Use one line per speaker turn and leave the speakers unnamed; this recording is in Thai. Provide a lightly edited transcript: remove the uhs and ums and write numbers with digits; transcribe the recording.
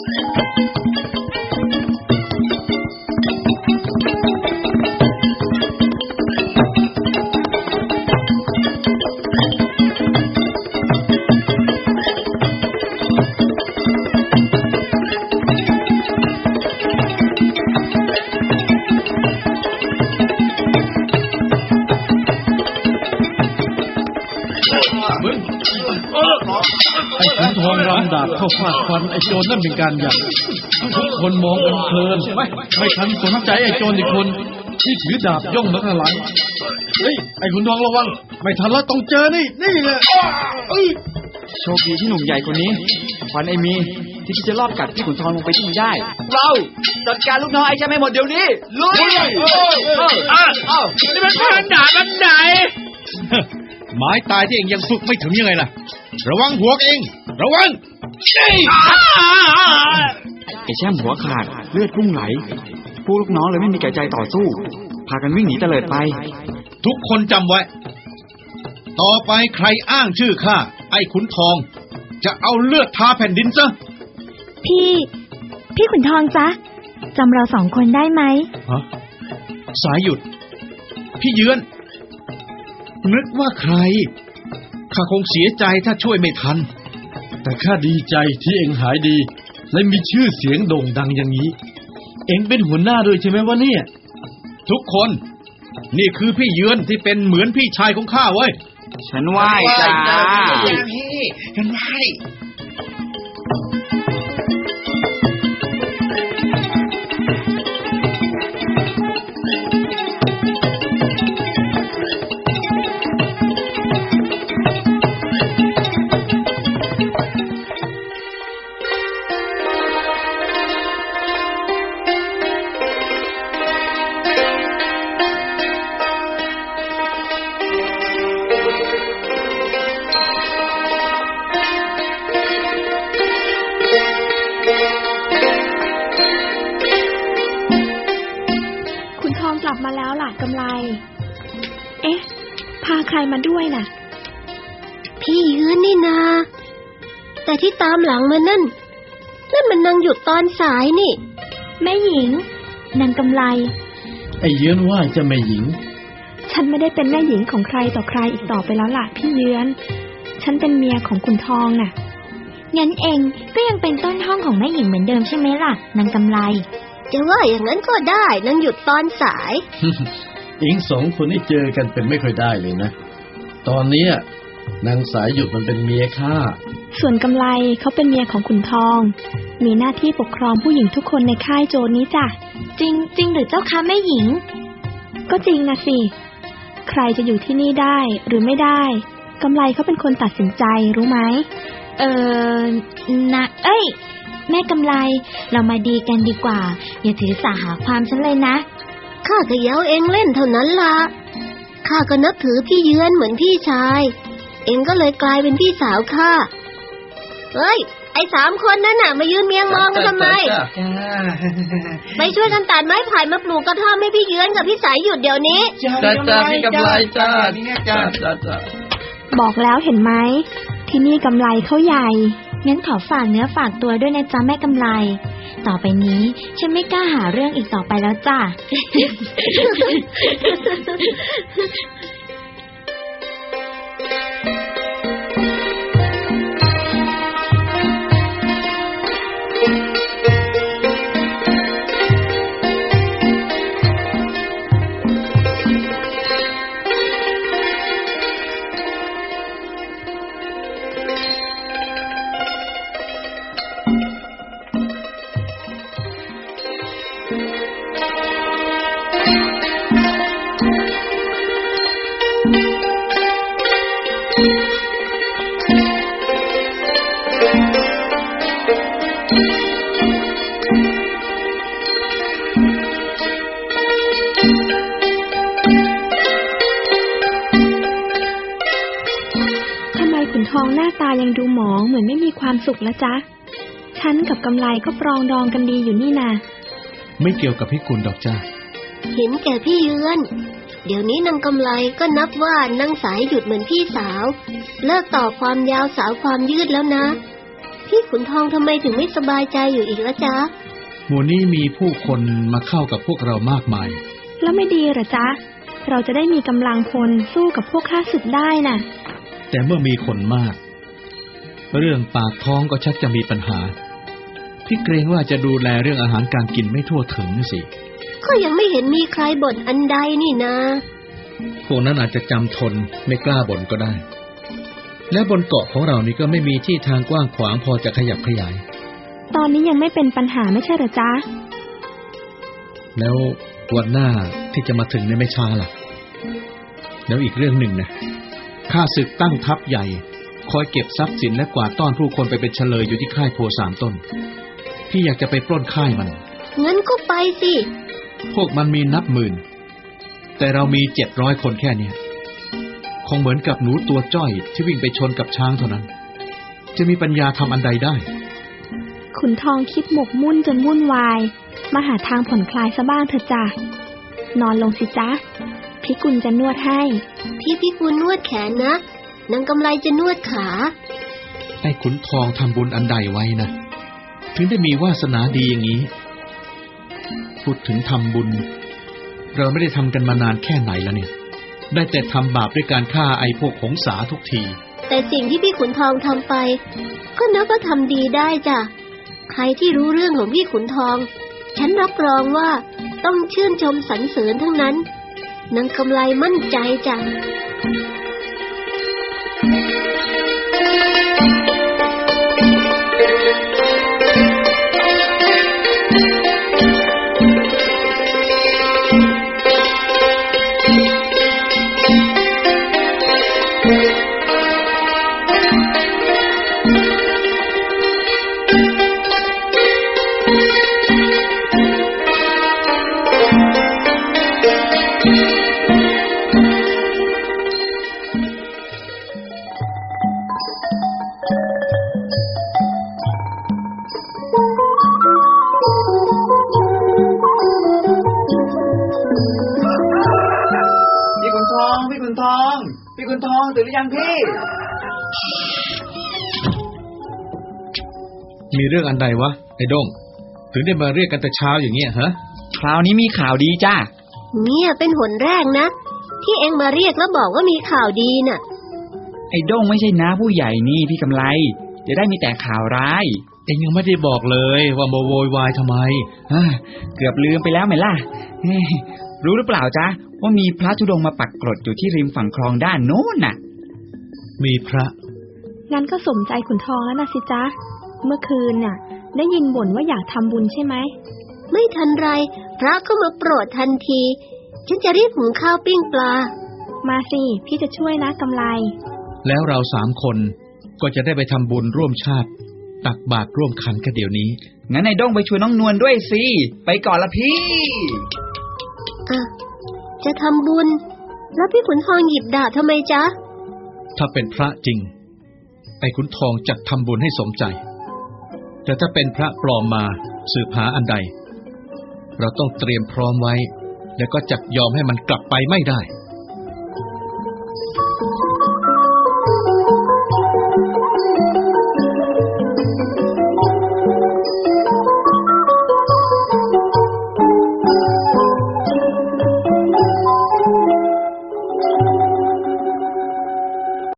ทองรำดาบเข้าฟาดฟันไอ้โจรนั่นเป็นการใหญ่ทุกคนมองกันเพลินไม่ทันสนใจไอ้โจรอีกคนที่ถือดาบย่องมาข้างหลังเฮ้ยไอ้ขุนทองระวังไม่ทันแล้วต้องเจอนี่แหละ
โชคดีที่หนุ่มใหญ่คนนี้ขวัญไอ้มีที่จะรอบกัดพี่ขุนทองลงไปที่นี่ได้เราจัดการลูกน้องไอ้แค่ไม่หมดเดี๋ยวนี้ลุย
นี่มันแผนดาบอันไหน
ไม้ตายที่เองยังฝึกไม่ถึงยังไงล่ะระวังหัวเองระวัง
ไอ้แช่มหัวขาดเลือดพุ่งไหลพวกลูกน้องเลยไม่มีแก่ใจต่อสู้พากันวิ่งหนีเตลิดไป
ทุกคนจำไว้ต่อไปใครอ้างชื่อข้าไอ้ขุนทองจะเอาเลือดทาแผ่นดินซะ
พี่ขุนทองจ๊ะจำเราสองคนได้ไหม
ฮะสายหยุดพี่เยือนนึกว่าใครข้าคงเสียใจถ้าช่วยไม่ทันแต่ข้าดีใจที่เองหายดีและมีชื่อเสียงโด่งดังอย่างนี้เองเป็นหัวหน้าด้วยใช่ไหมวะเนี่ยทุกคนนี่คือพี่เยือนที่เป็นเหมือนพี่ชายของข้าเว้ย
ฉันไหว้จ้า
ฉันไหว้
ลับมาแล้วล่ะกำไลเอ๊ะพาใครมาด้วยน่ะ
พี่ยืนนี่นาแต่ที่ตามหลังมานั่นมันนางหยุดตอนสายนี่
แม่หญิงนางกำไล
ไอ้เยือนว่าจะแม่หญิง
ฉันไม่ได้เป็นแม่หญิงของใครต่อใครอีกต่อไปแล้วล่ะพี่เยือนฉันเป็นเมียของขุนทองน่ะ
งั้นเองก็ยังเป็นต้นห้องของแม่หญิงเหมือนเดิมใช่ไหมล่ะนางกำไลจะว่าอย่างนั้นก็ได้นางหยุดตอนสาย
เองสองคนนี่เจอกันเป็นไม่ค่อยได้เลยนะตอนนี้นางสายหยุดมันเป็นเมียข้า
ส่วนกำไลเขาเป็นเมียของขุนทองมีหน้าที่ปกครองผู้หญิงทุกคนในค่ายโจรนี้จ้ะ
จริงหรือเจ้าคะแม่หญิง
ก็จริงนะสิใครจะอยู่ที่นี่ได้หรือไม่ได้กำไลเขาเป็นคนตัดสินใจรู้ไหม
นะแม่กำไลเรามาดีกันดีกว่าอย่าถือสาหาความฉันเลยนะข้าก็เย้าเองเล่นเท่านั้นล่ะข้าก็นับถือพี่เยือนเหมือนพี่ชายเองก็เลยกลายเป็นพี่สาวข้าไอ้3 คนนั่นน่ะมายืนเมียงมองกันทำไมไปช่วยกันตัดไม้ไผ่มาปลูกกระท่อมให้พี่เยือนกับพี่สายหยุดเดี๋ยวนี้
จ้าพี่กำไลจ้า
บอกแล้วเห็นไหมที่นี่กำไลเขาใหญ่
งั้นขอฝากเนื้อฝากตัวด้วยนะจ๊ะแม่กำไลต่อไปนี้ฉันไม่กล้าหาเรื่องอีกต่อไปแล้วจ้ะ
ทองหน้าตายังดูหมองเหมือนไม่มีความสุขแล้วจ๊ะฉันกับกำไลก็ปรองดองกันดีอยู่นี่นา
ไม่เกี่ยวกับพี่กุลดอกจ้า
เห็นแก่พี่เยือนเดี๋ยวนี้นางกำไลก็นับว่านางสายหยุดเหมือนพี่สาวเลิกต่อความยาวสาวความยืดแล้วนะพี่ขุนทองทำไมถึงไม่สบายใจอยู่อีกละจ๊ะ
หมู่นี้มีผู้คนมาเข้ากับพวกเรามากมาย
แล้วไม่ดีเหรอจ๊ะ เราจะได้มีกำลังพลสู้กับพวกข้าศึกได้น่ะ
แต่เมื่อมีคนมาก เรื่องปากท้องก็ชักจะมีปัญหาพี่เกรงว่าจะดูแลเรื่องอาหารการกินไม่ทั่วถึงสิ
ก็ยังไม่เห็นมีใครบ่นอันใดนี่นะ
พวกนั้นอาจจะจำทนไม่กล้าบ่นก็ได้ และบนเกาะของเรานี่ก็ไม่มีที่ทางกว้างขวางพอจะขยับขยาย
ตอนนี้ยังไม่เป็นปัญหาไม่ใช่เหรอจ๊ะ
แล้ววันหน้าที่จะมาถึงในไม่ช้าล่ะแล้วอีกเรื่องหนึ่งนะข้าศึกตั้งทัพใหญ่คอยเก็บทรัพย์สินและกวาดต้อนผู้คนไปเป็นเฉลยอยู่ที่ค่ายโพ3 ต้นพี่อยากจะไปปล้นค่ายมัน
งั้นก็ไปสิ
พวกมันมีนับหมื่นแต่เรามี700 คนแค่เนี้ยคงเหมือนกับหนูตัวจ้อยที่วิ่งไปชนกับช้างเท่านั้นจะมีปัญญาทำอันใดได้
ขุนทองคิดหมกมุ่นจนวุ่นวายมาหาทางผ่อนคลายซะบ้างเถอะจ้ะนอนลงสิจ๊ะพี่กุลจะนวดให้
พี่กุลนวดแขนนะนางกำไลจะนวดขา
ไอ้ขุนทองทำบุญอันใดไว้นะถึงได้มีวาสนาดีอย่างนี้พูดถึงทำบุญเราไม่ได้ทำกันมานานแค่ไหนแล้วเนี่ยได้แต่ทำบาปด้วยการฆ่าไอ้พวกหงสาทุกที
แต่สิ่งที่พี่ขุนทองทำไปก็นับว่าทำดีได้จ้ะใครที่รู้เรื่องของพี่ขุนทองฉันรับรองว่าต้องชื่นชมสรรเสริญทั้งนั้นนางกำไลมั่นใจจ้ะ
พี่ขุนทองตื่นหรือยังพี่
มีเรื่องอันใดวะไอ้ด้งถึงได้มาเรียกกันแต่เช้าอย่างเงี้ยฮะ
คราวนี้มีข่าวดีจ้า
เนี่ยเป็นหนแรกนะที่เอ็งมาเรียกแล้วบอกว่ามีข่าวดีน่ะ
ไอ้ด้งไม่ใช่น้าผู้ใหญ่นี่พี่กำไลจะได้มีแต่ข่าวร้าย
เอ็งยังไม่ได้บอกเลยว่ามาโวยวายทำไม
เกือบลืมไปแล้วไหมล่ะรู้หรือเปล่าจ๊ะว่ามีพระธุดงค์มาปักกรดอยู่ที่ริมฝั่งคลองด้านโน้นน่ะ
มีพระ
งั้นก็สมใจขุนทองแล้วนะสิจ๊ะเมื่อคืนน่ะได้ยินบ่นว่าอยากทำบุญใช่ไหม
ไม่ทันไรพระก็มาโปรดทันทีฉันจะรีบหุงข้าวปิ้งปลา
มาสิพี่จะช่วยนะกำไล
แล้วเรา3 คนก็จะได้ไปทำบุญร่วมชาติตักบาตรร่วมขันกันเดี๋ยวนี้
งั้นไอ้ด้งไปชวนน้องนวลด้วยสิไปก่อนละพี่
จะทำบุญแล้วพี่ขุนทองหยิบดาบทำไมจ๊ะ
ถ้าเป็นพระจริงไอ้ขุนทองจักทำบุญให้สมใจแต่ถ้าเป็นพระปลอมมาสืบหาอันใดเราต้องเตรียมพร้อมไว้แล้วก็จักยอมให้มันกลับไปไม่ได้